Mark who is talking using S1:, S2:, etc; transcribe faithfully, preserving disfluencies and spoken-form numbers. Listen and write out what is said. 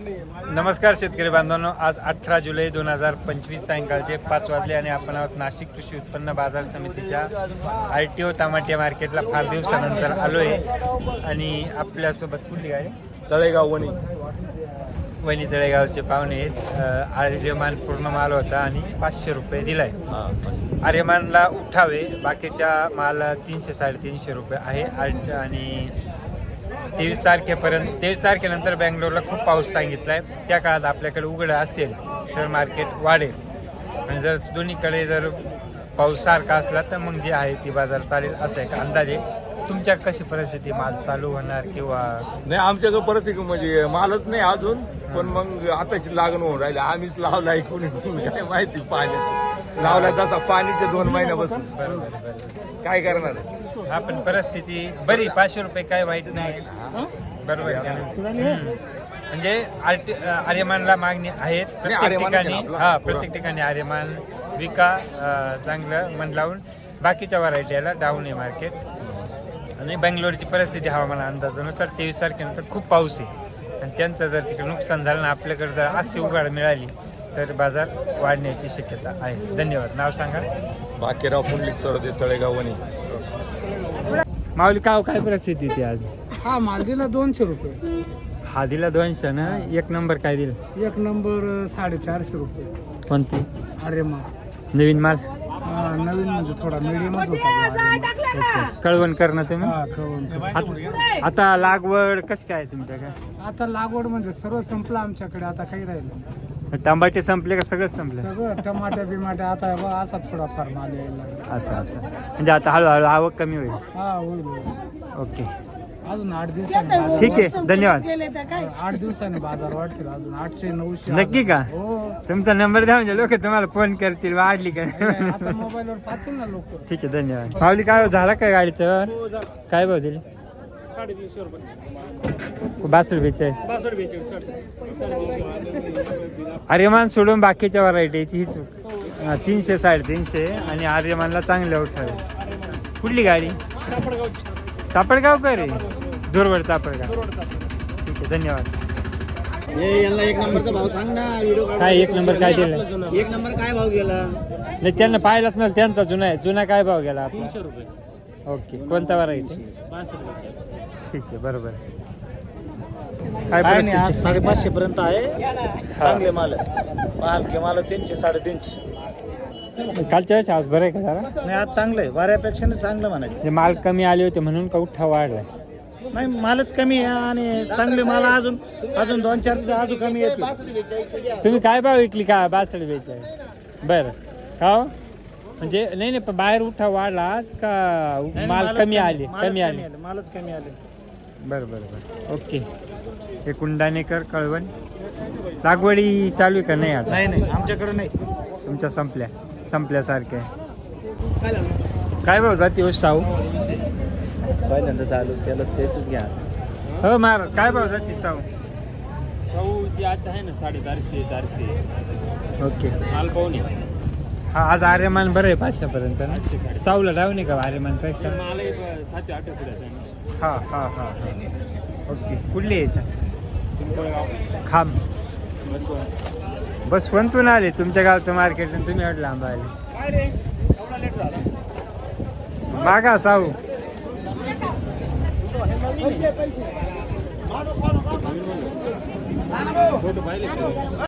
S1: नमस्कार शेतकरी बांधवांनो, आज अठरा जुलै दोन हजार पंचवीस सायंकाळचे पाच वाजले आणि आपण आहोत नाशिक कृषी उत्पन्न बाजार समितीच्या आर टी ओ टमाटे मार्केटला फार दिवसानंतर आलो आहे. आणि आपल्यासोबत कुठली गाडी
S2: तळेगाव वणी
S1: वणी तळेगावचे पाहुणे आहेत. आर्यमान पूर्ण माल होता आणि पाचशे रुपये दिलाय. आर्यमानला उठावे, बाकीच्या माल तीनशे साडेतीनशे रुपये आहे. आणि तेवीस तारखेपर्यंत तेवीस तारखेनंतर बँगलोरला खूप पाऊस सांगितला आहे. त्या काळात आपल्याकडे उघडं असेल तर मार्केट वाढेल, आणि जर दोन्हीकडे जर पाऊस सारखा असला तर मग जे आहे ती बाजार चालेल असं आहे का अंदाजे. तुमच्या कशी परिस्थिती, माल चालू होणार किंवा
S2: नाही? आमच्याकडे परिस्थिती म्हणजे मालच नाही अजून, पण मग आताशी लागण होऊन राहिले. आम्हीच लावलाय, कोणी काय माहिती पाणी लावला तसा पाणीचे दोन महिन्यापासून. काय करणार?
S1: हा, पण परिस्थिती बरी. पाचशे रुपये काय वाईट नाही, बरोबर आहे. हम्म. म्हणजे आर्ट- आर्यमानला मागणी आहेत प्रत्येक ठिकाणी. हा, प्रत्येक ठिकाणी आर्यमान विका अं, चांगलं मन लावून. बाकीच्या व्हरायटीला डाऊन आहे मार्केट. आणि बेंगलोरची परिस्थिती हवामान अंदाजानुसार तेवीस तारखेनंतर खूप पाऊस आहे, आणि त्यांचं जर तिकडे नुकसान झालं ना, आपल्याकडे जर अशी उघाड मिळाली तर बाजार वाढण्याची शक्यता आहे. धन्यवाद. नाव सांगा.
S2: बाकीराव पुंडलिक सरोदे, तळेगाव वणी.
S1: माऊली, काव काय परिस्थिती ती आज?
S3: हा माल दिला दोनशे रुपये.
S1: हा दिला दोनशे ना. एक नंबर काय दिला?
S3: एक नंबर साडेचारशे रुपये.
S1: कोणती?
S3: अरे मग
S1: नवीन माल?
S3: नवीन म्हणजे थोडा मिडियमच होता.
S1: कळवण करणं तुम्ही.
S3: हा कळवण.
S1: आता- आता लागवड कशी काय तुमच्याकडे?
S3: आता लागवड म्हणजे सर्व संपलं आमच्याकडे, आता काही राहिलं.
S1: टमाटे संपले का सगळंच संपलं?
S3: सगळं टमाटे बिमाटे आता बा असा थोडाफार माल यायला लागला.
S1: असं असं म्हणजे आता हळूहळू आवक कमी होईल.
S3: हा होईल होईल.
S1: ओके,
S3: अजून आठ दिवसांनी बाजार
S1: ठीक आहे, धन्यवाद.
S3: वाढ- आठ दिवसांनी बाजार वाढतील अजून आठशे नऊशे.
S1: नक्की का?
S3: हो.
S1: तुमचा नंबर द्या, म्हणजे लोक तुम्हाला फोन करतील वाढली का.
S3: आता मोबाईलवर पाहतील ना लोक.
S1: ठीक आहे, धन्यवाद. पावली, काय झाला काय गाडीचं? काय भाव दिले?
S3: साडेतीनशे रुपये.
S1: बासष्ट बेचाळीस.
S3: बासष्ट बेचाळीस.
S1: आर्यमान सोडून बाकीच्या व्हरायटीची हीच हा, तीनशे साडेतीनशे. आणि आर्यमानला चांगले उठावे. कुठली गाडी? सापडगाव का रे? दुर्वड सापडगाव. ठीक आहे, धन्यवाद.
S4: यांना एक नंबरचा भाव सांग ना. व्हिडिओ
S1: काय एक नंबर काय दिला?
S4: एक नंबर काय भाव गेला?
S1: नाही, त्यांना पाहिलाच नाही. त्यांचा जुना आहे. जुना काय भाव गेला आपला?
S3: तीनशे रुपये.
S1: ओके, कोणता व्हरायटी? ठीक आहे, बरोबर. काय
S5: काय नाही,
S1: परिस्थिती?
S5: आज साडेपाचशे पर्यंत आहे. चांगले माल माल के माल तीनशे साडेतीनशे.
S1: कालच्या वेळेस आज बरं आहे का जरा?
S5: नाही, आज चांगलं आहे. वाऱ्यापेक्षा नाही चांगलं म्हणायचं.
S1: म्हणजे माल कमी आले होते म्हणून का उठा वाढलाय?
S5: नाही, मालच कमी आहे आणि चांगले माल अजून अजून दोन चार दिवस अजून कमी येतील.
S1: तुम्ही काय भाव विकली का? बासष्ट बेचाळीस. बरं, का हो? म्हणजे नाही नाही, पण बाहेर उठा वाढला आज का
S5: नाही,
S1: माल
S5: मालच
S1: कमी आले?
S5: मालच
S1: कमी आले.
S5: मालच कमी आले.
S1: बरं बरं बरं, ओके. हे कुंडाणेकर, कळवण. लागवडी चालू आहे का नाही आता?
S5: नाही नाही, आमच्याकडे नाही.
S1: तुमच्या संपल्या संपल्यासारख्या. काय भाव जाते हो शाहू?
S6: पहिल्यांदा चालू त्याला तेच घ्या.
S1: हो मार, काय भाव जाते शाहू?
S6: शाहूची आज आहे ना साडेचारशे चारशे.
S1: ओके,
S6: माल पाहून
S1: हा आज आर्यमान बरं आहे पाचशेपर्यंत ना. साऊला डाऊन आहे का आर्यमानपेक्षा?
S6: माल सातशे आठ पुढे
S1: हा हा हा हा. ओके, कुठली आहे इथं?
S6: पिंपळगाव
S1: खांब.
S6: बसवंत.
S1: बसवंतून आले तुमच्या गावचं मार्केट, आणि तुम्ही एवढं लांब आले.
S6: काय रे एवढा लेट झाला?
S1: मागा साऊ.
S6: फोटो पाहिले